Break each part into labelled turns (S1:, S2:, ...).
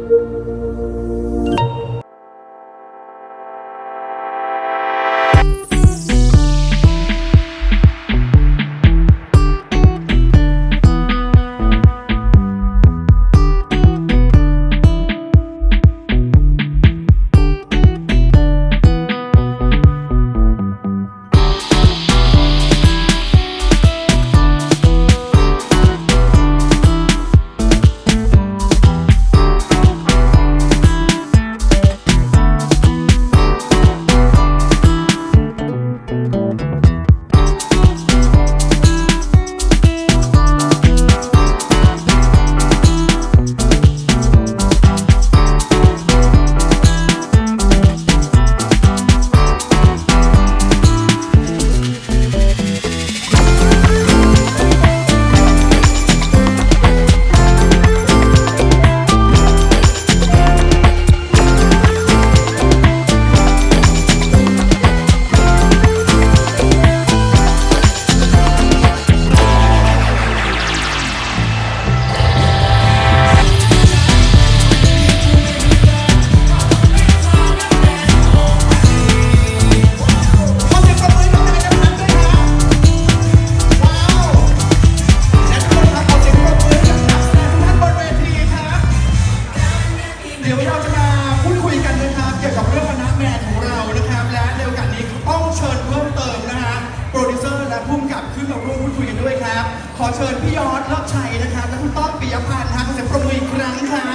S1: ขอเชิญพี่ยอดเลิศชัยนะครับและคุณต้อมปิยพันธ์ครับขอเสียงปรบมืออีกครั้งครับ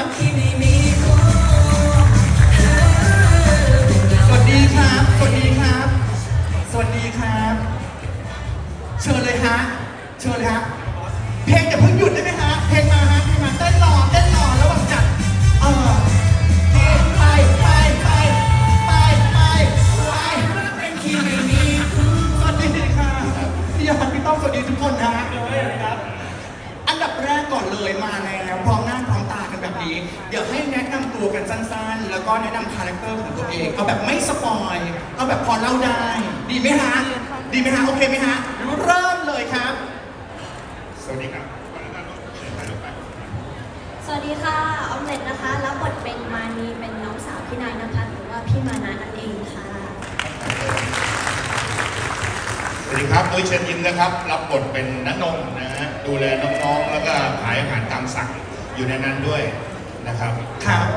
S1: สวัสดีครับสวัสดีครับสวัสดีครับเชิญเลยฮะเชิญเลยฮะเพลงอย่าเพิ่งหยุดได้ไหมฮะเพลงมาฮะเพลงมาเต้นรอแล้วแบบจัดไปเป็นคีย์ไม่มีสวัสดีครับพี่ยอดพี่ต้อมสวัสดีทุกคนนะอันดับแรกก่อนเลยมาแล้วพร้อมหน้าพร้อมตากันแบบนี้เดี๋ยวให้แนะนำตัวกันสั้นๆแล้วก็แนะนำคาแรคเตอร์ของตัวเองเอาแบบไม่สปอยเอาแบบพอเล่าได้ดีไหมฮะโอเคไหมฮะเริ่มเลยครับ
S2: สวัสดีครับ
S3: สวัสดีค่ะออมเล็ตนะคะรับบทเป็นมานีเป็นน้องสาวพี่นายนภัสหรือว่าพี่มานะนั่นเองค่ะ
S2: สวัสดีครับตุ้ยเชิญยิ้มนะครับรับบทเป็นณนงนะฮะดูแลน้องๆแล้วก็ขายอาหารตามสั่งอยู่ในนั้นด้วยนะครับ
S1: ครับ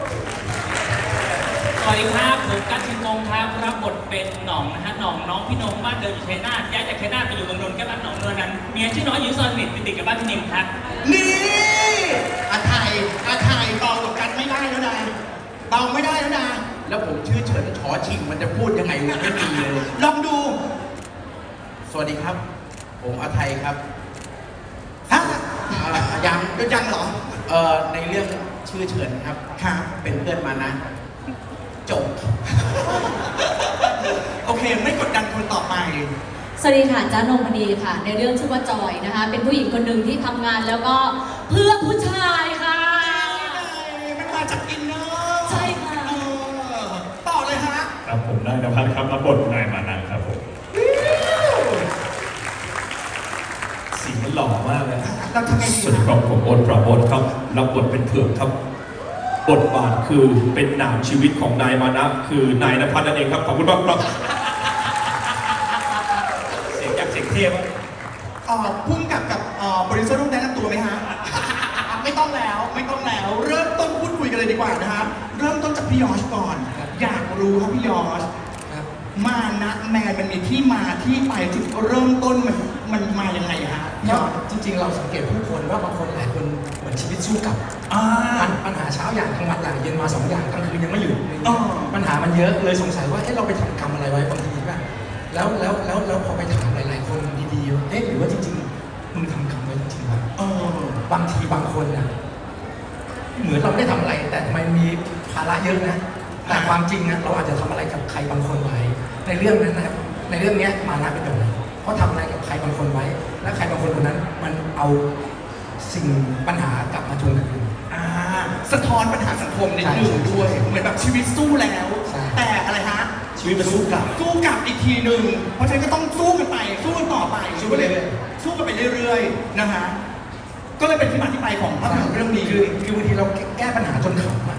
S4: สวัสดีครับผมกัจจินงครับรับบทเป็นหน่องนะฮะหน่องน้องพี่นงบ้านเดิมอยู่ชัยนาทย้ายจากชัยนาทไปอยู่เมืองนนท์แค่บ้านหนองนวลนั้นเมียชื่อน้อยอยู่ซอยสนิทติดกับบ้านพี่นิมครับ
S1: นี่อาไทยเบากับกันไม่ได้แล้วนะ
S5: แล้วผมชื่อเฉินชอชิงมันจะพูดยังไงวะไม่ดีเลย
S1: ลองดู
S5: สวัสดีครับผมอาไทยครับ
S1: ฮะ
S5: ยังเหรอในเรื่องชื่อเฉินครับเป็นเพื่อนมานะจบ
S1: โอเคไม่กดดันคนต่อไป
S3: สวัสดีค่ะจ้านงพนีค่ะในเรื่องชื่อว่าจอยนะคะเป็นผู้หญิงคนหนึ่งที่ทำงานแล้วก็เพื่อผู้ชายค่ะ
S1: มันมาจากอินเนอร์
S3: ใช่ค่ะ
S1: ต่อเลยฮะ
S2: ครับผมนายนภัสครับรับบทนายมานะครับผมสีมันหล่อมากเลย
S1: เราทำไงดี
S6: สวัสดีครับผมโอ๊ตปราโมทครับรับบทเป็นเผือกครับบทบาทคือเป็นหนามชีวิตของนายมานะคือนายนภัสนั่นเองครับขอบคุณมากครับ
S2: เสียงจากเสียงเทพ
S1: พุ่งกับโปรดิวเซอร์ต้องแนะนำตัวไหมฮะ ไม่ต้องแล้วเริ่มต้นพูดคุยกันเลยดีกว่านะครับเริ่มต้นจากพี่ยอชก่อนอยากรู้ครับพี่ยอชมานะแมนมันมีที่มาที่ไปจุดเริ่มต้นมันมายังไงฮะ
S7: จริงๆเราสังเกตผู้คนว่าบางคนหลายคนเหมือนชีวิตสู้กับปัญหาเช้าอย่างกลางวันอย่างเย็นมา2อย่างกลางคืนยังไม่หยุดปัญหามันเยอะเลยสงสัยว่าเราไปทำกรรมอะไรไว้บางทีป่ะแล้วพอไปถามหลายๆคนดีๆหรือว่าจริงๆมึงทำกรรมไว้จริงๆวะบางทีบางคนน่ะเหมือนเราไม่ได้ทำอะไรแต่ทำไมมีภาระเยอะนะแต่ความจริงนะเราอาจจะทำอะไรกับใครบางคนไว้ในเรื่องนั้นนะครับในเรื่องนี้มานะเป็นแบบไหนเขาทำอะไรกับใครบางคนไว้และใครบางคนคนนั้นมันเอาสิ่งปัญหากลับมาทวงคืน
S1: สะท้อนปัญหาสังคมนิดนึงด้วยเหมือนแบบชีวิตสู้แล้วแต่อะไรฮะ
S5: ชีวิตมันสู้กลั
S1: บอีกทีหนึ่งเพราะฉะนั้นก็ต้องสู้กันต่อไปสู้กันไปเรื่อยๆนะฮะก็เลยเป็นที่มาที่ไปของภาพยนตร์เรื่องนี้
S7: คือบางทีเราแก้ปัญหาจนขำ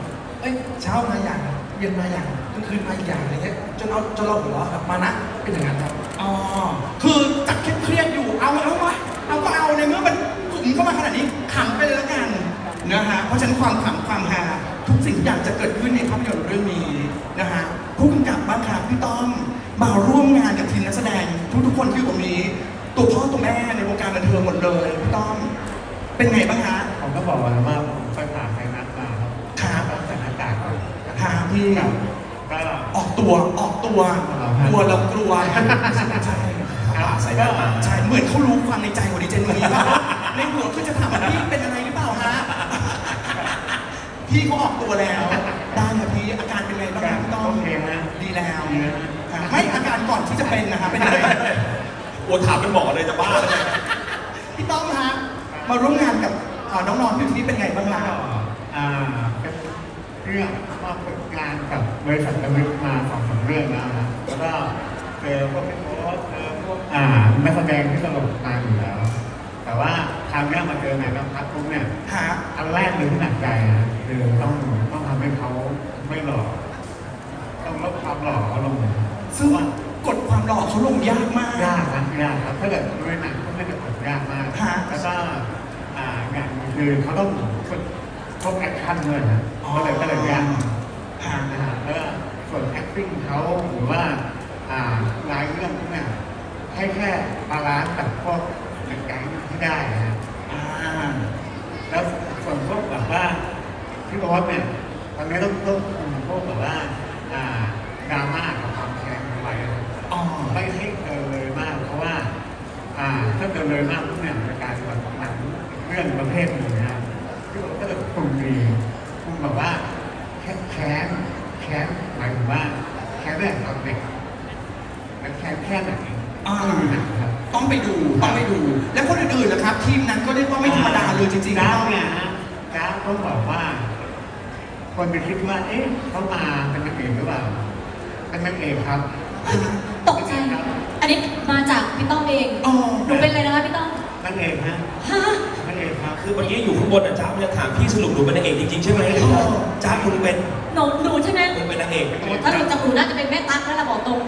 S7: เย็นมาอย่างกลางคืนมาอีกอย่างอะไรเงี้ยจนเราหัวเราะครับมานะเป็นอย่างนั้นครับ
S1: อ๋อ คือจากเครียดๆอยู่ เอาวะเอาก็เอาในเมื่อมันกลุ่มเข้ามาขนาดนี้ขำไปเลยแล้วกันนะฮะ เพราะฉะนั้นความขำความฮาทุกสิ่งทุกอย่างจะเกิดขึ้นในภาพยนตร์เรื่องนี้นะฮะ ผู้กำกับบ้างครับพี่ต้อมมาร่วมงานกับทีมนักแสดงทุกคนที่อยู่ตรงนี้ ตัวพ่อตัวแม่ในวงการบันเทิงหมดเลยพี่ต้อม เป็นไงบ้างฮะ
S8: ผมก็บอกว่าผมไปผ่าไฟนัดมาครับ
S1: ครับ
S8: ใส่หน้ากากก่อน
S1: ฮะพี่
S8: ครับก็
S1: ออกตัวกลัวเรากลัวใช่
S5: ใส่หน้ามา
S1: ใช่เหมือนเขารู้ความในใจของดิเจนนี่ว่าในหัวคือจะถามว่าพี่เป็นอะไรหรือเปล่าฮะพี่เขาออกตัวแล้วได้ครับพี่อาการเป็นไงบ้างครับพี่ต้อม
S8: โอเคนะ
S1: ดีแล้ว
S8: ดีนะ
S1: ครับไม่อาการก่อนที่จะเป็นนะครับเป็นยังไง
S6: โอ้ถามเป็นหมอเลยจะบ้าเลย
S1: พี่ต้อมฮะมาร่วมงานกับน้องๆที่อยู่ที่นี่เป็นไงบ้างล่ะ
S8: ก็เป็นเรื่องมาฝึกงานกับบริษัทระลึกมา2-3เรื่องแล้วนะแล้วก็เจอพวกพี่โค้ชเจอพวกนักแสดงที่ตลกมาอยู่แล้ว แต่ว่าคราวนี้มาเจอนายนภัสปุ๊บเนี่ย
S1: ฮะ
S8: อันแรกเลยที่หนักใจนะคือต้องทำให้เขาไม่หล่อต้องลดความหล่อเขาลง
S1: ซึ่งกดความหล่อเขาลงยากมาก
S8: ยากครับถ้าเกิดด้วยหนังก็ไม่ได้ผลยากมาก
S1: ฮะ
S8: แล้วก็อย่างคือเขาต้องฝึกพวกแอคชั่นด้วยนะก็เลยยาก
S1: ฮะ
S8: นะฮะแล้วก็ส่วน acting เขาหรือว่าลายเรื่องพวกเนี่ยให้แค่บาลานซ์กับพวกหนังแก๊งที่ได้นะฮะ
S1: อ่า
S8: แล้วส่วนพวกแบบว่าที่บอกว่าเนี่ยตอนนี้ต้องคุมพวกแบบว่าดราม่ากับความแค้นเอาไว้นะ
S1: อ๋อ
S8: ไม่ให้เกินเลยมากเพราะว่าถ้าเกินเลยมากพวกเนี่ยจะกลายเป็นแบบหนังเรื่องประเภทหนึ่งนะที่บอกถ้าเกิดกลุ่มดีกลุ่มแบบว่าแค้นหมายถึงว่าแค้นเรื่องตอนเด็กแล้วแค้นแค่ไหนต้องดูหนังครับ
S1: ต้องไปดู แล้วคนอื่นๆล่ะครับ ทีมนั้นก็เรียกว่าไม่ธรรมดาเลยจริงๆ
S8: จ้า
S1: นะ
S8: เนี่ยฮะจ้าต้องบอกว่า คนไปคิดว่าเอ๊ะเขามาเป็นนางเอกหรือเปล่าเป็นนางเอกครับ
S3: ตกใจ อันนี้มาจากพี่ต้อมเอง
S1: อ๋อ
S3: หนูเป็นอะไรนะคะพี่ต้อม
S8: นางเอกฮะ
S3: ฮะ
S8: นางเอกครับ
S6: คือเมื่อกี้อยู่ข้างบนอ่ะจ้ามันจะถามพี่สรุปหนูเป็นนางเอกจริงๆใช่ไหมจ้าคุณเป็น
S3: หนูใช่ไหม
S6: คุณเป็นนางเอก
S3: โอ้ถ้าหนูจากหนูน่าจะเป็นแม่ตั๊กแล้วล่ะบอกตรง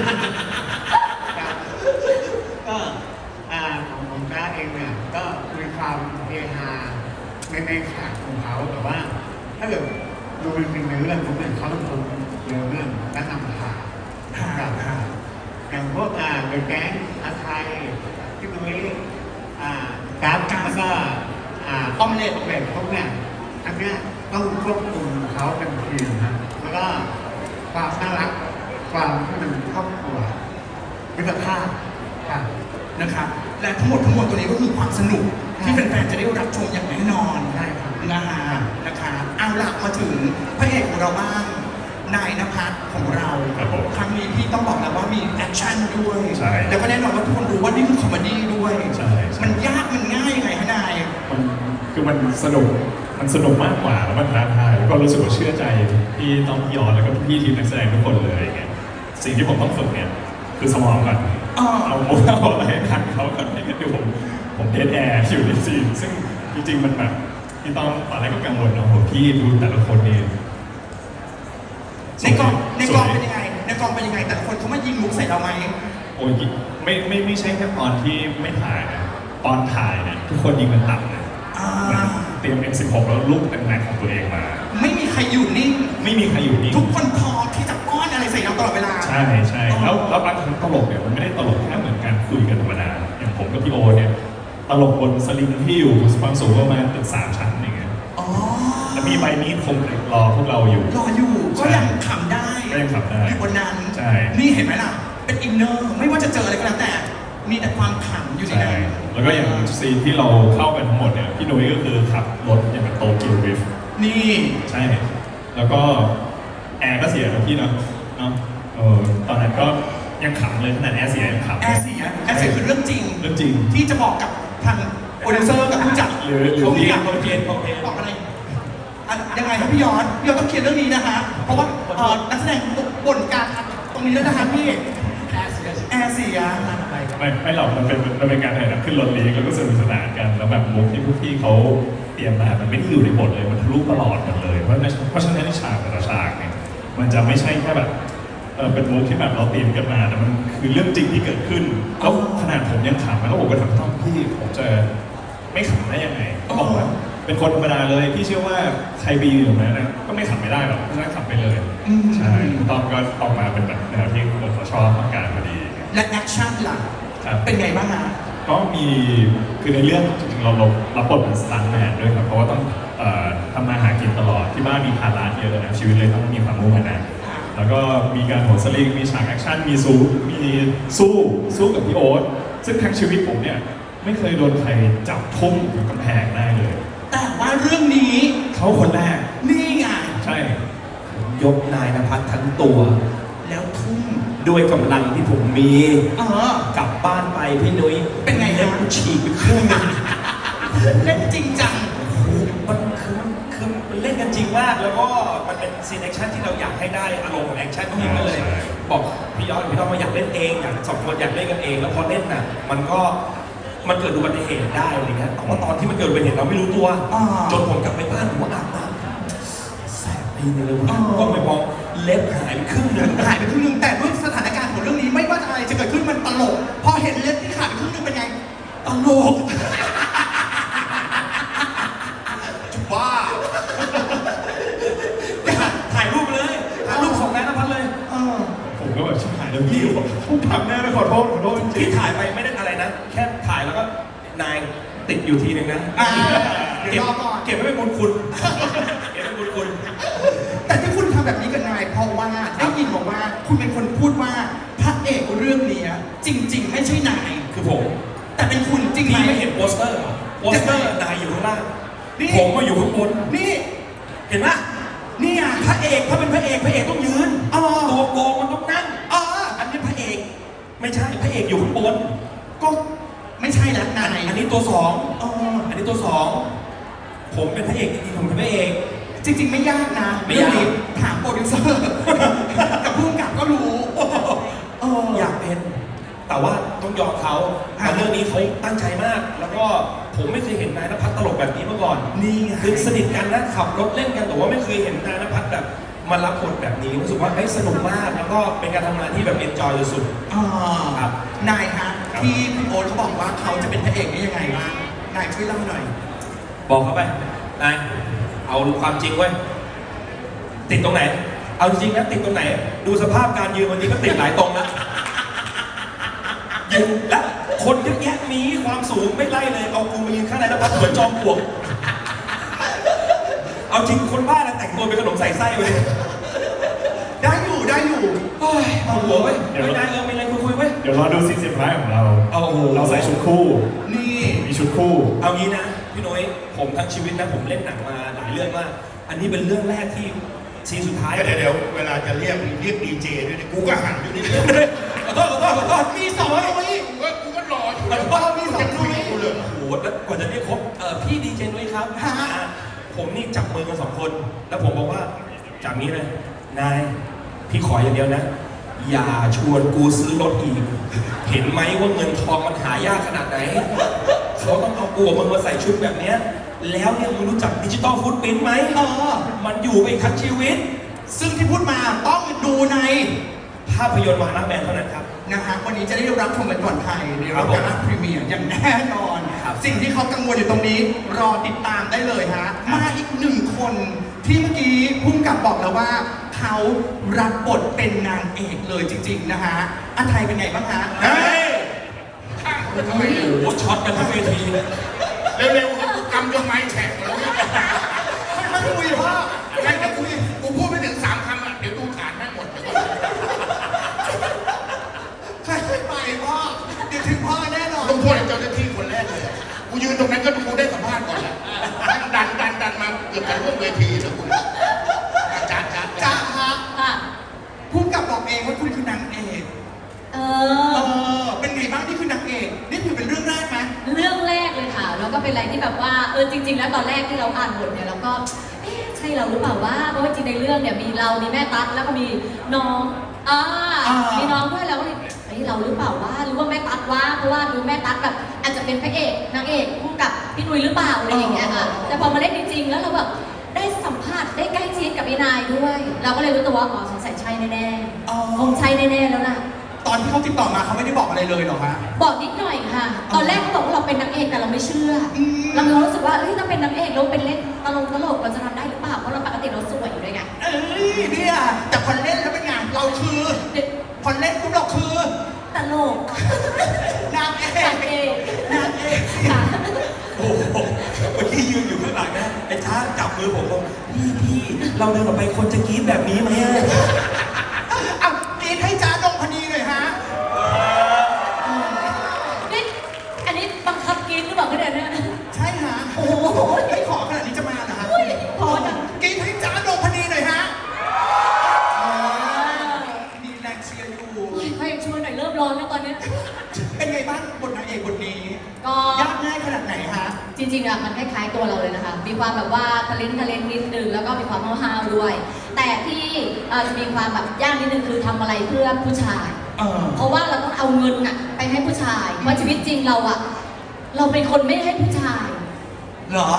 S8: ก็ของจ้าเองเนี่ยก็มีความเฮฮาในฉากของเขาแต่ว่า ถ้าเกิดดูจริงๆในเรื่องผมเนี่ยเขาต้องทำเรื่องและนำพากับอย่างพวกเดอะแก๊งอาไทยที่ตรงนี้กราฟแล้วก็ออมเล็ตพวกเนี่ยอันเนี้ยต้องควบคุมเขาเป็นทีมนะแล้วก็ความน่ารักความที่มันครอบครัวมิตรภาพครับ
S1: นะครับ และทั้งหมดตัวนี้ก็คือความสนุกที่แฟนๆจะได้รับชมอย่างแน่นอน
S8: ใช่ครับ
S1: นะฮะนะครับเอาล่ะมาถึงพระเอกของเราบ้างนายณภัสของเรา
S6: ครับผม
S1: ครั้งนี้พี่ต้องบอกแล้วว่ามีแอคชั่นด้วย
S6: ใช่
S1: แล้วก็แน่นอนว่าทุกคนรู้ว่านี่คือคอมเมดี้ด้วย
S6: ใช่
S1: มันยากมันง่ายยังไงฮะนาย
S9: มันสนุกมากกว่าแล้วมันท้าทายแล้วก็รู้สึกว่าเชื่อใจพี่ต้องพี่ยอนแล้วก็พี่ทีมนักแสดงทุกคนเลยอย่างเงี้ยสิ่งที่ผมต้องฝึกเนี่ยคือสมองก่อน
S1: อ๋อ
S9: เอามุกเอาอะไรทันเขาก่อนไม่งั้นเดี๋ยวผมเดทแอร์อยู่ในซีนซึ่งจริงๆมันแบบพี่ต้องตอนแรกก็กังวลเนาะโหพี่ดูแต่ละคนนี่
S1: ในกองเป็นยังไงในกองเป็นยังไงแต่ละคนเขามายิงมุกใส่เราไหม
S9: โอ้ยไม่ใช่แค่ตอนที่ไม่ถ่ายนะตอนถ่ายเนี่ยทุกคนยิงกันต่ำนะ
S1: อ่า
S9: เตรียม M16 แล้วลูกแรงๆของตัวเองมา
S1: ไม่มีใครอยู่นิ่ง
S9: ไม่มีใครอยู่นิ่ง
S1: ทุกคนพร้อมที่จะป้อนอะไรใส่เราตลอดเวลา
S9: ใช่แล้วบางครั้งตลกเนี่ยมันไม่ได้ตลกแค่เหมือนการคุยกันธรรมดาอย่างผมกับพี่โอเนี่ยตลกบนสลิงที่อยู่ความสูงประมาณตึก3 ชั้นอย่างเงี้ย
S1: อ๋อ
S9: แล้วมีใบมีดคมรอพวกเราอยู่
S1: รออยู่ก็ยังขำได้
S9: ก็ยังขำได้
S1: อยู่บนนั้น
S9: ใช่
S1: นี่เห็นไหมล่ะ เป็นอินเนอร์ไม่ว่าจะเจออะไรก็แล้วแต่ มีแต่ความขำอยู่ใน
S9: ใช่
S1: นั้น
S9: แล้วก็อย่างซีนที่เราเข้ากันทั้งหมดเนี่ยพี่นุ้ยก็คือขับรถอย่างกับโตเกียวดริฟต์
S1: นี่
S9: ใช่ แล้วก็แอร์ก็เสียนะพี่เนาะตอนนั้นก็ยังขำเลยขนาดแอร์เสียยังขำ
S1: แอร์เสียคือเรื่องจริง
S9: เรื่องจริง
S1: ที่จะบอกกับทางโปรดิวเซอร์กับผู้จัด
S9: หรือ
S1: เขามี
S9: พี่
S1: การ
S9: เขาเพียน
S1: บอกอะไรอ่ะยังไงครับพี่ยอนต้องเคลียร์เรื่องนี้นะฮะเพราะว่านักแสดงบ่นการตรงนี้แล้วนะคะพี่แอร์เสีย
S9: ไม่หรอกมันเป็นการถ่ายหนังขึ้นรถเลี้ยงแล้วก็สนุกสนานกันแล้วแบบมุกที่พวกพี่เขาเตรียมมามันไม่ได้อยู่ในบทเลยมันทะลุตลอดกันเลยเพราะฉะนั้นในฉากแต่ละฉากเนี่ยมันจะไม่ใช่แค่แบบเป็นมุกที่แบบเราตีมกันมาแต่มันคือเรื่องจริงที่เกิดขึ้นแล้วขนาดผมยังขำแล้วผมก็ถามต้องพี่ผมจะไม่ขำได้ยังไงก็บอกว่าเป็นคนธรรมดาเลยพี่เชื่อว่าใครไปยืนอยู่นั้นนะก็ไม่ขำไม่ได้หรอกเพราะฉะนั้นขำไปเลยใช่ตอนก็ออกมาเป็นแบบแนวที่คนเขาชอบต้องการพอดี
S1: และแอคชั่นล่ะ
S9: ครับ
S1: เป็นไงบ้างฮะ
S9: ก็มีคือในเรื่องจริงๆเรารับบทเป็นสตันท์แมนด้วยครับเพราะว่าต้องทำมาหากินตลอดที่บ้านมีภาระเยอะนะชีวิตเลยต้องมีความมุ่งมั่นนะแล้วก็มีการโหนสลิงมีฉากแอคชั่นมีสู้กับพี่โอ๊ตซึ่งทั้งชีวิตผมเนี่ยไม่เคยโดนใครจับทุ่มหรือกำแพงได้เลย
S1: แต่ว่าเรื่องนี้
S6: เขาคนแรก
S1: นี่ไง
S9: ใช่
S6: ยกนายนภัสทั้งตัว
S1: แล้วทุ่ม
S6: ด้วยกำลังที่ผมมี กลับบ้านไปพี่นุ้ย
S1: เป็นไงฮะ
S6: เล็บฉีกไปครึ่งหนึง
S1: เล่นจริงจัง
S6: มันเล่นกันจริงมาก แล้วก็มันเป็นซีนแอคชั่นที่เราอยากให้ได้อารมณ์ของแอคชั่นนี้ก็เลย บอกพี่ยอดพี่ต้องมาอยากเล่นเองอยากสองคนอยากเล่นกันเอง แล้วพอเล่นน่ะมันเกิดอุบัติเหตุได้อะไรเงี้ยแต่ว่าตอนที่มันเกิดอุบัติเหตุเราไม่รู้ตัว จนผมกลับไปบ้านผมว่าอาบน้ำแสบตีนเลยว่ะก็ไปมองเล็บหายไปครึ่งหนึง
S1: หายไปครึ่งหนึงแต่ด้วยสถานการณ์ของเรื่องนี้ไม่ว่าอะไรจะเกิดขึ้นมันตลก พอเห็นเล็บที่ขาดไปครึ่งหนึงเป็นไงตลกจุบ้า
S6: ถ่ายรูปเลยถ่ายรูปส่งนายนภัสเลย
S9: ผมก็แบบชิบหายแล้วพี่ผมทำแน่เลยขอโทษจริ
S6: ที่
S9: ง
S6: ถ่ายไปไม่ได้อะไรนะ แค่ถ่ายแล้วก็นายติดอยู่ทีหนึ่งนะ
S1: เดี๋ยวรอก่อน
S6: เก็บไว้เป็นบุญคุณเก็บไว้เป็นบุญคุณ
S1: แต่ที่คุณทำแบบนี้กับนายเพราะว่าได้ยินบอกว่าคุณเป็นคนพูดว่าพระเอกเรื่องนี้จริง ๆ ไม่ใช่นาย
S6: คือผม
S1: แต่เป็นคุณจริงไหม
S6: พี่ไม่เห็นโปสเตอร์เหรอโปสเตอร์นายอยู่ข้างล่าง
S1: นี่
S6: ผมมาอยู่ข้างบน
S1: นี่
S6: เห็นไหม
S1: นี่อ่ะ
S6: พระเอกถ้าเป็นพระเอกต้องยืน
S1: อ๋อ
S6: ตัวโกงมันต้องนั่ง
S1: อ๋อ
S6: อันนี้พระเอกไม่ใช่พระเอกอยู่ข้างบน
S1: ก็ไม่ใช่แล้วนาย
S6: อันนี้ตัวสอง
S1: อ๋อ
S6: อันนี้ตัวสองผมเป็นพระเอกจริงๆผมเป็นพระเอก
S1: จริง ๆ ไม่ยากนะ
S6: ไม่ยาก
S1: เรื่องนี้ถามโปรดิวเซอร์ กับผู้กำกับก็รู้
S6: อยากเป็น แต่ว่าต้องยอมเขาเรื่องนี้เขาตั้งใจมาก แล้วก็ผมไม่เคยเห็นนายณภัสตลกแบบนี้มาก่อน
S1: นี่ไง
S6: คือสนิทกันนะขับรถเล่นกันแต่ว่าไม่เคยเห็นนายณภัสแบบมารับบทแบบนี้รู้สึกว่าสนุกมากแล้วก็เป็นการทำงานที่แบบเอนจอยสุด ครับ
S1: นายฮะที่คุณโอ๊ตเขาบอกว่าเขาจะเป็นพระเอกได้ยังไงบ้างนายช่วยเล่าหน่อย
S6: บอกเขาไปนายเอาความจริงเว้ยติดตรงไหน เอาจริงนะติดตรงไหน ดูสภาพการยืนวันนี้ก็ติดหลายตรงแล้วยืนและคนเยอะแยะมีความสูงไม่ไล่เลยเอากูมายืนข้างในแล้วพัดเหมือนจอมปลวกเอาจริงคนบ้าแล้วแต่งตัวเป็นขนมใส่ไส้เลย
S1: ได้อยู่
S6: โอ้ยเอาหัวเว้ยไม่ได้มีอะไรคุยเว้ย
S9: ๆเดี๋ยวรอดูซีนสุดท้ายของเรา
S6: โอ้โห
S9: เราใส่ชุดคู่
S1: นี่
S9: มีชุดคู่
S6: เอางี้นะพี่นุ้ยผมทั้งชีวิตนะผมเล่นหนังมาหลายเรื่องมากอันนี้เป็นเรื่องแรกที่ซีนสุดท้าย
S2: เดี๋ยวเวลาจะเรียกดีเจด้วยเนี่ยกูก็หันอยู่นี่
S6: ขอโทษ
S1: มีสองนุ้ย
S2: กูก็รออยู่
S1: มีสองนุ้ย
S2: กูเลย
S6: โอ้โหแล้วกว่าจะเรียกครบพี่ดีเจนุ้ยครับ
S1: ฮะ
S6: ผมนี่จับมือกันสองคน แล้วผมบอกว่าจากนี้เลยนายพี่ขออย่างเดียวนะ อย่าชวนกูซื้อรถอีก เห็นไหมว่าเงินทองมันหายากขนาดไหนเขาต้องเอากูกับมึงมาใส่ชุดแบบเนี้ยแล้วเนี่ยมึงรู้จักดิจิตอลฟุตปรินท์ไหมมันอยู่ไปทั้งชีวิต
S1: ซึ่งที่พูดมาต้องดูใน
S6: ภาพยนตร์วาระแมนเท่านั้นครับ
S1: นะฮะวันนี้จะได้รับชมกันก่อนใครในรับการพรีเมียร์อย่างแน่นอน
S6: ครับ
S1: สิ่งที่เขากังวลอยู่ตรงนี้รอติดตามได้เลยฮะมาอีกหนึ่งคนที่เมื่อกี้พุ่งกับบอกแล้วว่าเขารับบทเป็นนางเอกเลยจริง ๆ นะฮะอันไทยเป็นไงบ้างฮะ
S6: เฮ้ยโอ้โหช็อตกันทั้งเวที
S2: เร็วๆครับกูกำยกไม้แฉะแล้ว
S1: ไม่คุยพ่อ
S2: ไม่จะคุยกูพูดไม่ถึง3 คำอ่ะเดี๋ยวดูฐานแม่งหมดเดี๋ยวก่อน
S1: ใครไม่ไปพ่อเดี๋ยวถึงพ่อแน่นอน
S2: ต้องโทษไอ้เจ้าหน้าที่คนแรกเลยกูยืนตรงนั้นก็ดูได้สัมภาษณ์ก่อนแล้วดันมาเกือบจะร่วมเวทีแล้วกูจ้า
S1: จ้าฮะ
S3: ค่ะ
S1: พุ่งกับบอกเองว่าคุณคือนางเอก เป็นไงบ้างนี่คือนางเอกนี่ถือเป็นเรื่องแรกไหม
S3: เรื่องแรกเลยค่ะ แล้วก็เป็นอะไรที่แบบว่าจริง ๆ แล้วตอนแรกที่เราอ่านบทเนี่ยเราก็ใช่เราหรือเปล่าว่าเพราะว่าจริงในเรื่องเนี่ยมีเรามีแม่ตั๊กแล้วก็มีน้องมีน้องด้วยแล้วก็เลยเราหรือเปล่าว่าหรือว่าแม่ตั๊กว่าเพราะว่าดูแม่ตั๊กแบบอาจจะเป็นพระเอกนางเอกคู่กับพี่นุ้ยหรือเปล่าอะไรอย่างเงี้ยค่ะแต่พอมาเล่นจริงๆแล้วเราแบบได้สัมผัสได้ใกล้ชิดกับมีนายด้วย เราก็เลยรู้ตัวว่าอ๋อสงสัยใช่แน่
S1: อ๋อ
S3: ๆคงใช่แน่ๆแล้วล่ะ
S1: ตอนที่เขาติดต่อมาเขาไม่ได้บอกอะไรเลยเหรอฮะ
S3: บอกนิดหน่อยค่ะ ตอนแรกเขาบอกว่าเราเป็นนางเอกแต่เราไม่เชื่ออ
S1: ม
S3: เรามีความรู้สึกว่าเฮ้ยถ้าเป็นนางเอกเราเป็นเล่นตลกเราจะทำได้หรือเปล่าเพราะเราปกติเราสวยอยู่ด้วยไง
S1: เอ้ยเนี่ยแต่พอเล่นแล้วเป็นไงเราคือ
S3: เด็ก
S1: พอเล่นปุ๊บเราคือ
S3: ตลก
S1: นางเอก
S3: นางเอก
S1: นางเอก
S3: ค่ะ
S6: โอ้โหเมื่อกี้ยืนอยู่ข้างหลังนะไอ้ช้าจับมือผมบอกพี่เราเดินออกไปคนจะกรี๊ดแบบนี้ไหมอะ
S1: เอากรีดให้จ้าดงพนีหน่อยฮะ
S3: นี่อันนี้บังคับกินหรือเปล่าเนี่ย
S1: ใช่ฮะ
S3: โอ้โห
S1: ไม่ขอขนาดนี้จะมาเหรอฮะ
S3: อุ้ยพอจัง
S1: กรีดให้จ้าดงพนีหน่อยฮะมีแรงเชียร์อยู่
S3: ให้ช่วยหน่อยเริ่มร้อนแล้วตอนเนี้ย
S1: เป็นไงบ้างบทนางเอกบทนี้
S3: ก็
S1: ยากง่ายขนาดไหนฮะ
S3: จริงๆอะมันคล้ายๆตัวเราเลยนะคะ มีความแบบว่าทะเลนนิดนึงแล้วก็มีความห้าวๆด้วย แต่ที่จะมีความแบบยากนิดนึงคือทำอะไรเพื่อผู้ชาย เพราะว่าเราต้องเอาเงินอะไปให้ผู้ชาย เพราะชีวิตจริงเราอะเราเป็นคนไม่ให้ผู้ชาย
S1: เหรอ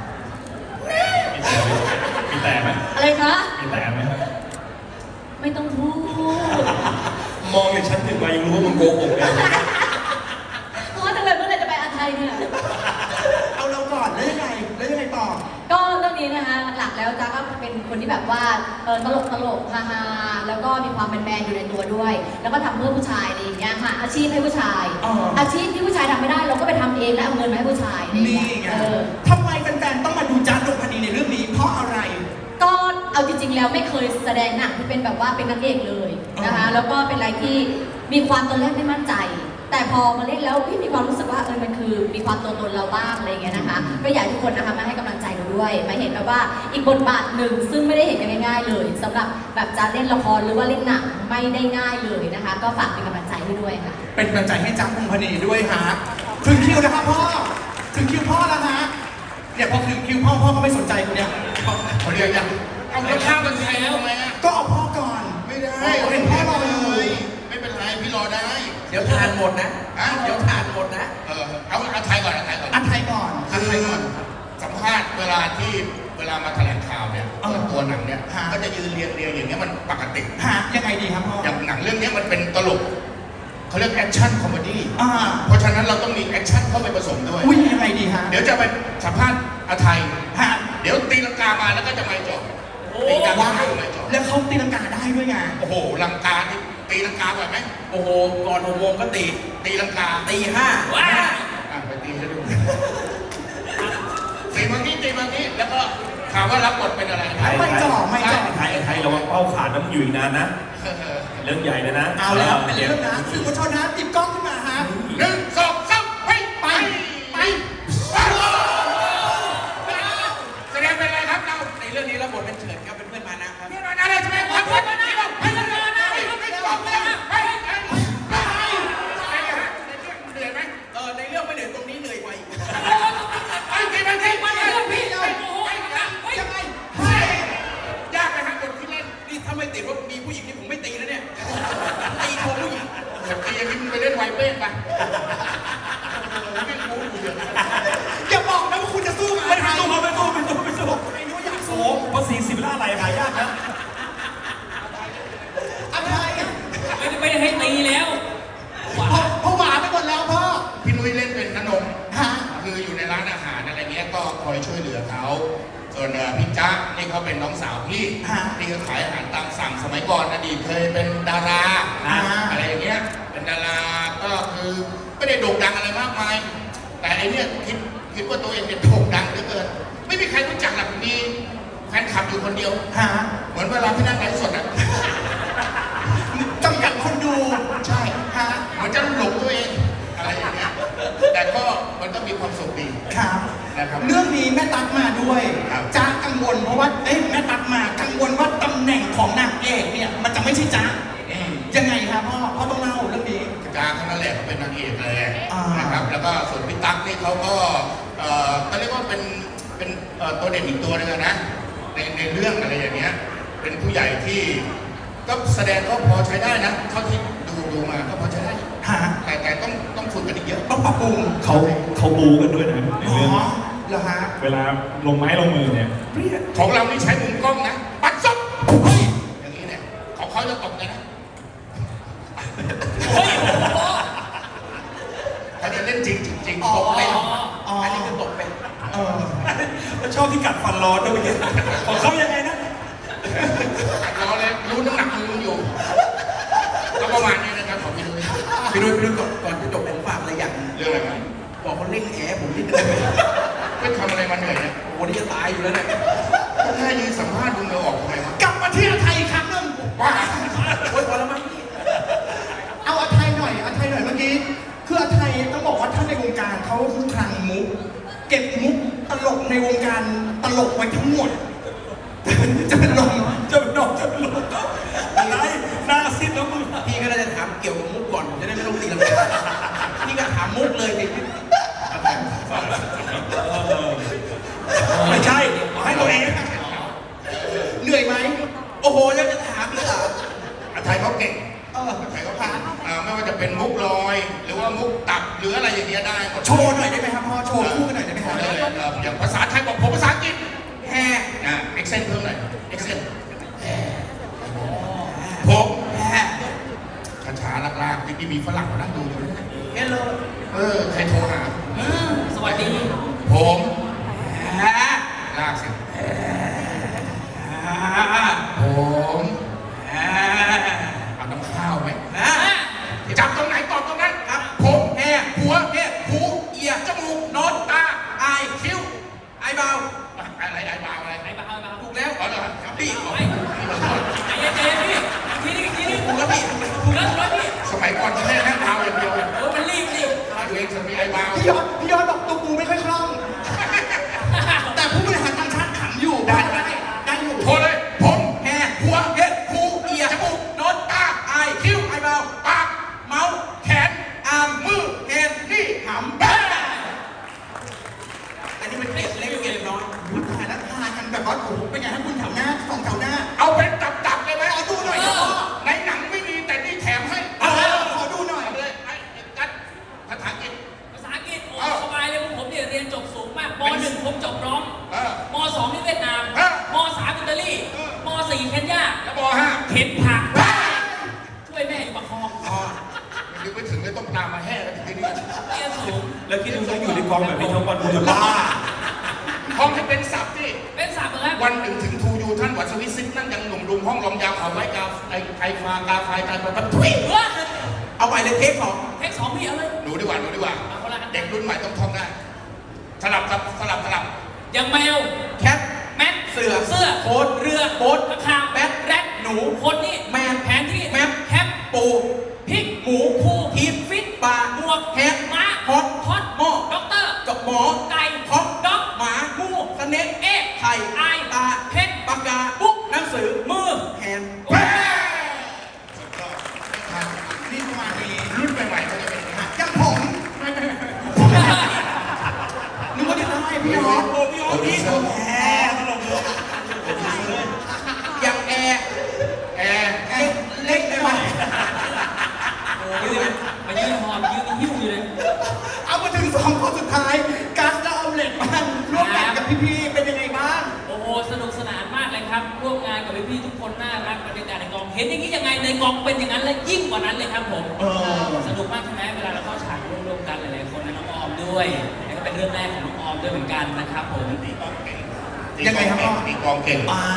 S9: มีแต่ไหม
S3: อะไรคะ
S9: มีแต่ไหมครับ
S3: ไม่ต้องพูด
S6: มองอย่างฉันถึงมายังรู้ว่ามึงโกหกเลย
S3: เพราะว่าจังเลยเมื่อไหรจะไปอาไทยเนี่ย
S1: เอาเราก่อนแล้วยังไงต่อ
S3: ก็เรื่องนี้นะคะหลักๆแล้วจ้าก็เป็นคนที่แบบว่าตลกฮาๆแล้วก็มีความแมนๆอยู่ในตัวด้วย แล้วก็ทำเพื่อผู้ชายอะไรอย่างเงี้ยค่ะอาชีพให้ผู้ชาย
S1: อ๋ออ
S3: อาชีพที่ผู้ชายทำไม่ได้เราก็ไปทำเองแล้วเอาเงินมาให้ผู้ชายอะไรอย่าง
S1: นี่
S3: เงี้ย
S1: ไง
S3: เออ
S1: ทำไมแฟนๆต้องมาดูจ้าดงพนีในเรื่องนี้เพราะอะไร
S3: ก็เอาจริงๆแล้วไม่เคยแสดงหนังที่เป็นแบบว่าเป็นนางเอกเลยนะคะ แล้วก็เป็นอะไรที่มีความตอนแรกไม่มั่นใจ แต่พอมาเล่นแล้วพี่มีความรู้สึกว่ามันคือมีความตัวตนเราบ้างอะไรอย่างเงี้ยนะคะ ก็อยากให้ทุกคนนะคะมาให้กำลังใจเราด้วยมาเห็นแบบว่าอีกบทบาทหนึ่งซึ่งไม่ได้เห็นกันง่ายๆเลยสำหรับแบบจะเล่นละครหรือว่าเล่นหนังไม่ได้ง่ายเลยนะคะ ก็ฝากเป็นกำลังใจให้ด้วยค่ะ
S1: เป็นกำลังใจให้จ้าดงพนีด้วยฮะถึงคิวนะครับพ่อถึงคิวพ่อแล้วฮะเนี่ยพอถึงคิวพ่อก็ไม่สนใจกูเนี่ย
S2: เขาเรียกยังเอาแล้วข้ามกันใครแล้วทำไมอะ
S1: ก็เอาพ่อก่อน
S2: ไม่ได้
S1: เห็นพ่อรออยู่
S2: ไม่เป็นไรพี่รอได้
S5: เดี๋ยวทานหมดนะ
S2: ฮะ
S5: เดี๋ยวทานหมดนะ
S2: เอาไทยก่อน
S1: อันไทยก่อน
S2: คือสัมภาษณ์เวลามาแถลงข่าวเนี่ย
S1: เออ
S2: ตัวหนังเนี่ย
S1: ฮะ
S2: ก็จะยืนเรียงอย่างเงี้ยมันปกติ
S1: ฮะยังไงดีครับพ่อ
S2: อย่างหนังเรื่องเนี้ยมันเป็นตลกเขาเรียกแอคชั่นคอมเมดี้
S1: อ่า
S2: เพราะฉะนั้นเราต้องมีแอคชั่นเข้าไปผสมด้วย
S1: อุ้ยยังไงดีฮะ
S2: เดี๋ยวจะไปสัมภาษณ์อาไทย
S1: ฮะ
S2: เดี๋ยวตีลังกามาแล้วก็จะไม่จบตีลังกา
S1: ว้า
S2: มาก็ไม่จบ
S1: แล้วเขาตีลังกาได้ด้วยไง
S2: โอ้โหลังกานี่ตีลังกาบ่อยไหม
S5: โอ้โห ก่อน6 โมงก็ตี
S2: ตีลังกา
S5: ตี 5
S4: ว้า
S2: ไปตีให้ดูตีบางทีแล้วก็ถามว่ารับบทเป็นอะไร
S1: ไม่จ่อ
S6: ไทยระวังเป้าขาดน้ำอยู่อีกนานนะ เรื่องใหญ่เลยนะ
S1: เอาแล้วเป็นเรื่องนะสื่อมวลชนนะติดกล้องขึ้นมาฮะ
S2: 1 2 3ไปแสดงเป็นอะไรครับเรา
S5: ในเรื่องนี้รับบทเป็นเฉินครับเป็นเพื่อนมานะครับ
S2: เรื่องอะไรใช่ไหมครับไปเหนื่อยไหม
S5: ในเรื่องไม่เหนื่อยตรงนี้เหนื่อยกว่าอีก
S1: ยังไง
S2: ยากไหมครับบทที่เล่น
S5: นี่ถ้าไม่ติดว่ามีผู้หญิงนี่ผมไม่ตีแล้วเนี่ย ตีโชว์ผู้หญิง
S2: ตีอย่างนี้มึงไปเล่นไวเป้งไปไม่รู้อยู่
S1: อย่าบอกนะว่าคุณจะสู้กับ
S6: ไม่
S1: ไทย
S6: สู้ไม่สู้
S1: ไอ้นู้นอยาก
S6: โอ้
S1: สู้
S6: โหภาษีสิบล้านอะไรหายากนะ
S1: อันไทย
S4: ไม่ได้ให้ตีแล้ว
S1: พ่อหมาไปหมดแล้วพ่อ
S2: พี่นุ้ยเล่นเป็นนง
S1: ฮะ
S2: คืออยู่ในร้านอาหารอะไรเงี้ยก็คอยช่วยเหลือเขาส่วนพี่จ๊ะนี่เขาเป็นน้องสาวพี่ที่เขาขายอาหารตามสั่งสมัยก่อนอดีตเคยเป็นดาราอะไรอย่างเงี้ยเป็นดาราก็คือไม่ได้โด่งดังอะไรมากมาย แต่ไอเนี้ยคิดว่าตัวเองเป็นโด่งดังเหลือเกินไม่มีใครรู้จักหรอกมีแฟนคลับอยู่คนเดียว
S1: ฮะ
S2: เหมือนเวลาพี่นั่งไลฟ์สดอ่ะ
S1: จำกัดคนดู
S2: ใช่
S1: ฮะ
S2: เหมือนจะหลงตัวเองอะไรอย่างเงี้ยแต่ก็มันก็มีความสุขดี
S1: ครับ
S2: นะครับ
S1: เรื่องนี้แม่ตั๊กมาด้วย
S2: ครับ
S1: จ้ากังวลเพราะว่าแม่ตั๊กมากังวลว่าตำแหน่งของนางเอกเนี่ยมันจะไม่ใช่จ้ายังไงครับพ่อต้องเล่าเรื่องนี้
S2: จางเขานั่นแหละเขาเป็นนางเอกเลย
S1: อ่าน
S2: นะครับแล้วก็ส่วนพี่ตั๊กนี่เขาก็เขาเรียกว่าเป็นตัวเด่นอีกตัวหนึงอะนะในเรื่องอะไรอย่างเงี้ยเป็นผู้ใหญ่ที่ก็แสดงก็พอใช้ได้นะเท่าที่ดูมาก็พอใช้ได้
S1: ฮะ
S2: แต่ต้องฝึกกันอีกเยอะ
S1: ต้องปรับปรุง
S9: เขาบูกันด้วยนะใน
S1: อ๋อ
S9: เรื่อง
S1: เหรอฮะ
S9: เวลาลงไม้ลงมือเนี่ย
S2: ของเรานี่ใช้มุมกล้องนะปัดโซ่เขาจะตบไงนะ
S4: เฮ้ยโอ้โห
S2: เขาจะเล่นจริงจริง
S1: อ๋อ
S2: ตบเป็น
S1: อ๋อ
S5: อันนี้คือตกเป็น
S1: เออ
S6: ชอบที่กัดฟันร้อนด้วยเมื่อกี้ของเขายังไงนะ
S2: เราเลยรู้น้ำหนักมืออยู่ก็ประมาณนี้นะครับของพี่นุ้ย
S5: พี่นุ้ยก่อนจะจบผมฝากอะไรอย่างหนึ่ง
S2: เรื่องอะไรครับ
S5: บอกคนเร่งแอร์ผมนิดนึง
S2: ไม่ทำอะไรมาเหนื่อยเนี่ย
S5: โอ้โหนี่จะตายอยู่แล้วเนี่ย
S2: แค่ยืนสัมภาษณ์ดูเหงื่อออกทำไมวะ
S1: กลับมาที่อาไทยอีกครั้งหนึ่ง
S2: ว้า
S5: โอ้ยพอแล้วมั้งพี่
S1: เอาอาไทยหน่อยอาไทยหน่อยเมื่อกี้ คืออาไทยต้องบอกว่าท่านในวงการเขาคือคลังมุก เก็บมุกตลกในวงการตลกไว้ทั้งหมด จะเป็นลม
S6: จะเป็นน้องจะเป็นลูกอะไรหน้าซิดแล้วมึง
S5: พี่ก็น่าจะถามเกี่ยวกับมุกก่อนผมจะได้ไม่ต้องตีลังกาพี่ก็ถามมุกเลยดิ
S6: ไม่ใช่เอาให้ตัวเอง
S1: เหนื่อยไหม
S5: โอ้โหแล้วจะถามอีกเหรอ
S2: อาไทยเขาเก่ง
S1: เออ
S2: อาไทยเขาผ่านไม่ว่าจะเป็นมุกลอย หรือว่ามุกตับหรืออะไรอย่างเงี้ยได้หมด
S1: โชว์หน่อยได้ไหมครับพ่อโชว์คู่กันหน่อยได้ไหมครับ
S2: อย่างภาษาไทยบอกผมภาษาอังกฤษ
S5: แฮ่
S2: เอ็กเซนเพิ่มหน่อยเอ็กเซนผม
S5: แฮ่
S2: ช้าๆลากๆที่มีฝรั่งมานั่งดูอยู่
S5: เฮลโล
S2: ใครโทรหา
S4: สวัสดี
S2: ผม
S5: แฮ่
S2: ลากสิ
S5: ฮ่า
S2: ผม
S5: แฮ่
S2: เอาน้ำข้าวไหม
S5: ฮ่า
S2: จับตรงไหนตอบตรงนั้น
S5: ครับ
S2: ผม
S5: แฮ่
S2: หัว
S5: เฮ่
S2: หู
S5: เอีย
S2: จมูก
S5: โนต
S2: ตา
S5: ไอ
S2: คิ้ว
S5: ไอเบา
S2: อะไรไอ้บาวอะไร
S4: ไหนบ้างไหนบ้าง
S5: ถูกแล้ว
S2: อ๋อเหรอครับพี่
S4: ไอ้ใจเย็นๆพี่ทีนี้
S5: ถูกแล้วพี่
S4: ถูกแล้วพี่
S2: สมัยก่อนจะแค่นั่งเท้าอย่างเดียวเลย
S4: โอ้มันรีบ
S2: ตัวเองจะมีไอ้บาว
S1: พี่ยอดบอกตัวกูไม่ค่อยคล่อง แต่ผู้บริหารต่างชาติขำอยู่ได้อยู่
S2: โทรเลย ผม
S5: แฮ่
S2: หัว
S5: เฮ็ดหูเอีย
S2: จมูก
S5: โนต
S2: ตา
S5: ไอ
S2: คิ้ว
S5: ไอเบา
S2: ปาก
S5: เมาส์
S2: แขน
S5: อาร์ม
S2: มือ
S5: แฮนด์
S2: นี่
S5: หำ
S2: แบ้
S5: อันนี้มันเกล็ดเล็กเกล็ดน้อย
S1: พูดถ่ายแล้วทายกันแบบว่าโอ้โหเป็นไงให้คุณแถวหน้าสองแถวหน้า
S2: เอาเป็นตับๆเลยไหม
S1: ขอดูหน่อยครับพ่อ
S2: ในหนังไม่มีแต่นี่แถมให้
S1: ขอดูหน่อย
S2: เอาเลยไอ้กัดภาษาอังกฤษ
S4: ภาษาอังกฤษโอ้สบายเลยผมเนี่ยเรียนจบสูงมากม .1 ผมจบร้อง
S2: เออ
S4: ม .2 นี่เวียดนาม
S2: เออ
S4: ม .3 อิตาลี
S2: เออ
S4: ม .4 เคนยา
S2: แล้วบอกฮะ
S4: เข็นผัก ช่วยแม่อยู่ประคอง
S2: อ๋อนึกไม่ถึงเลยต้องตามมาแห่กันถึงที่นี่
S4: เรียนสูง
S6: แล้วคิดดูถ้าอยู่ในกองแบบนี้ทั้งวันกูจะบ้า
S2: ห้องที่เป็นศัพท์ที่
S4: เป็นสามเหรอครับ
S2: วันหนึ่งถึงทูยูท่านวัดสวิตซิปนั่งยังหนุ่มรุมห้องลมยาวเขาไว้กาไอฟากาไฟกาไฟปั๊บทุย
S4: เฮ้ย
S5: เอาไปเลยเทปสอง
S4: เทคสองพี่เอาเลย
S2: หนูดีกว่าหนูดีกว่า
S4: เอาคนละอัน
S2: เด็กรุ่นใหม่ต้องท่องได้สลับ
S4: อย่างแมว
S5: แคท
S4: แมท
S5: เสือ
S4: เสื้อ
S5: โค้ด
S4: เรือ
S5: โค้ด
S4: ข้างคาว
S5: แบท
S4: แรด
S5: หนู
S4: คนนี่
S5: แมน
S4: แผนที่
S5: แมป
S4: แคป
S5: ปู
S4: พริก
S5: หมู
S4: คู่
S5: ทีม
S4: ฟิต
S5: ปลา
S4: หมวก
S5: แฮก
S4: ม้า
S5: ฮอต
S4: ฮอต
S5: หม้อ
S4: ด็อกเตอร์
S5: กับหมอ
S4: ไก่
S5: ฮอก
S4: ด็อก
S5: หมา
S4: งู
S5: สเน็ก
S4: เอ๊ะ
S5: ไข่
S4: ไอ
S5: ตา
S4: เพชร
S5: ปากกา
S4: ปุ๊ก
S5: หนังสือ
S4: มือ
S5: แฮนด์
S2: แม่
S1: นี่ประมาณนี้
S2: รุ่นใหม่ๆเขาจะเป็นอย่างนี้
S1: อย่างผมนึกว่าจะได้พี่ยอด
S6: โอ้พี่ออสพี่แหมตลกเลย
S5: อย่างแอร์
S2: แอร์
S5: เล็กได้ไหม
S4: โอ้ยมายืนหอบยืนหิ้วอยู่เลย
S1: เอามาถึง2คนสุดท้ายกัสและออมเล็ตบ้างร่วมงานกับพี่ๆเป็นยังไงบ้าง
S4: โอ้โหสนุกสนานมากเลยครับร่วมงานกับพี่ๆทุกคนน่ารักบรรยากาศในกองเห็นอย่างนี้ยังไงในกองเป็นอย่างนั้นและยิ่งกว่านั้นเลยครับผม สนุกมากใช่ไหมเวลาเราเข้าฉากร่วมๆกันหลายๆคนนะน้องออมด้วยแล้วก็เป็นเรื่องแรกของน้องออมด้วยเหมือนกันนะครับผม
S1: ยังไงครับพ่อ
S2: ตีกลองเก่ง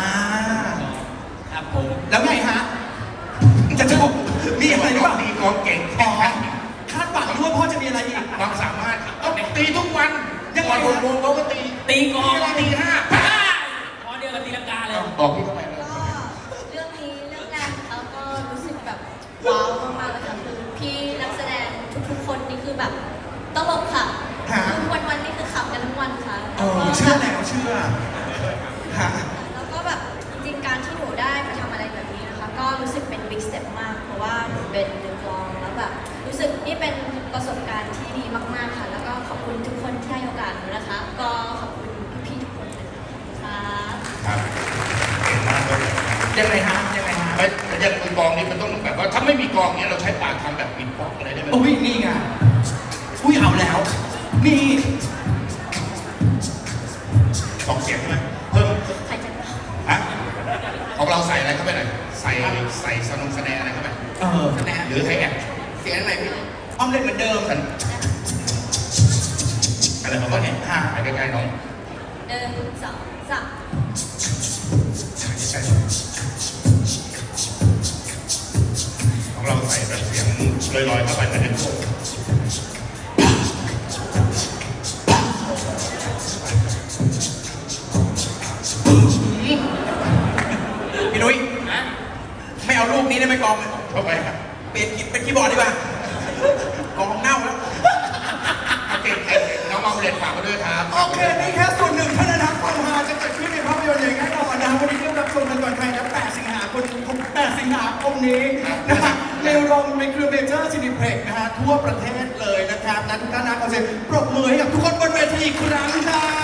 S4: ครับผม
S1: แล้วไงฮะจะบอกมีอะไรหรือเปล่า
S2: ตีกลองเก่ง
S1: อ๋อคาดหวังด้วยพ่อจะมีอะไรอีก
S2: ความสามารถต้องตีทุกวัน
S1: ยังไง
S2: ก่อน
S1: ครับ
S2: 6 โมงเขาก็ตี
S4: ตีกลอง
S2: ตีห้า
S4: พอเดียวกับตีลังกาเลย
S2: บอกพี่เข้าไปเลย
S3: ก็เรื่องนี้เรื่องแรกนะคะก็รู้สึกแบบว้าวมากๆเลยค่ะคือพี่นักแสดงทุกๆคนนี่คือแบบตลกค่ะ
S1: ฮะ
S3: คือวันๆนี่คือขำกันทั้งวันค่ะ
S1: เออเชื่อแล้วเชื่อฮะ
S3: แล้วก็แบบจริงๆการที่หนูได้มาทำอะไรแบบนี้นะคะ ก็รู้สึกเป็น big step มากเพราะว่าหนูเป็นนักร้องแล้วแบบรู้สึกนี่เป็นประสบการณ์ที่ดีมากๆค่ะ แล้วก็ขอบคุณทุกคนที่ให้โอกาสหนูนะคะ ก็ขอบคุณพี่ๆทุกคนเลยค่ะ
S2: ครับเก่งมากเลย
S1: ยังไงฮะยังไงฮะ
S2: ไม่ยังมือกลองนี่มันต้องแบบว่าถ้าไม่มีกลองเนี้ยเราใช้ปากทำแบบปิดป๊อกอะไรได้ไหม
S1: อุ้ยนี่ไงอุ้ยเอาแล้ว นี่
S2: 2 เสียงใช่ไหมเพิ่ม
S3: ใครจะ
S2: ฮะของเราใส่อะไรเข้าไปหน่อย
S3: ใ
S2: ใส่สนงแสดงอะไรเข้าไป
S5: คะแนน
S2: หรือให้แอบ
S5: เสียงอะไรพี่
S1: ออมเล็ตเหมือนเดิม
S2: อะไรประมาณนี้ไปใกล้ๆน้อง
S3: 1 2 3
S2: ของเราใส่แบบเสียงลอยๆเข้าไปในโลก
S5: พี่นุ้ยไม่เอารูปนี้ได้ไหมกอง
S2: เข้าไปครับ
S5: เปลี่ยนเป็นคีย์บอร์ดดีกว่ากองเน่าแล้ว
S2: โอเคน้องมาเรียนฝากมาด้วยครับ
S1: โอเค นี่แค่ส่วนหนึ่งเท่านั้นนะความฮาจะเกิดขึ้นในภาพยนตร์อย่างแน่นอนนะวันนี้เริ่มรับชมกันก่อนใครนะ8 สิงหาคมนี้นะฮะในโรงในเครือเมเจอร์ซินิเพล็กนะฮะทั่วประเทศเลยนะครับและทุกท่านนะขอเสียงปรบมือให้กับทุกคนบนเวทีอีกครั้งค่ะ